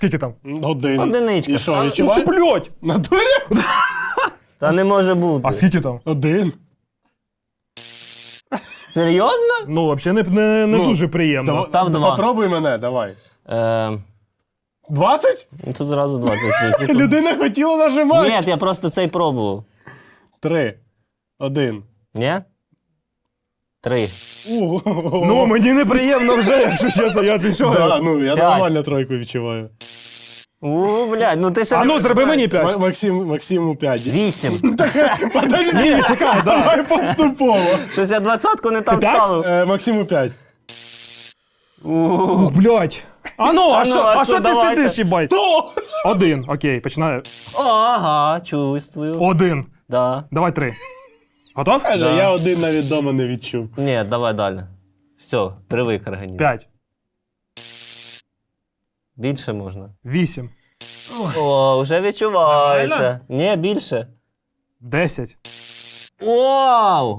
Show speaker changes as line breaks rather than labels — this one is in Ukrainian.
Скільки там?
Один.
Одиничка.
І що,
Ух,
відчуваєш?
блядь!
На дурі?
Та не може бути.
А скільки там?
Один.
Серйозно?
Ну, взагалі не
Ну,
дуже приємно.
Став два.
Попробуй мене, давай.
20?
20?
Ну тут зразу 20.
Людина хотіла нажимати.
Ні, я просто цей пробував.
3. 1.
Ні? 3.
Ну, мені неприємно вже, якщо чесно, я ти що?
Да, ну, я
5.
нормально тройку відчуваю.
Блядь, ну ти ще...
А ну, зроби мені 5.
Максиму 5.
8.
Подожди,
Ні, чекай, да.
давай поступово.
Щось я 20-ку не там
Ти п'ять?
ставив.
Максиму 5.
Ух, блядь. А ну, а що ти
давайте.
сидиш, їбать?
100!
1, окей, починаю.
Ага, чувствую.
1.
Да.
Давай 3. Готов?
Каже, я один навіть вдома не відчув.
Ні, давай далі. Все, привик організм.
5.
Більше можна.
8.
О, вже відчувається.
Нормально?
Ні, більше.
10.
Вау!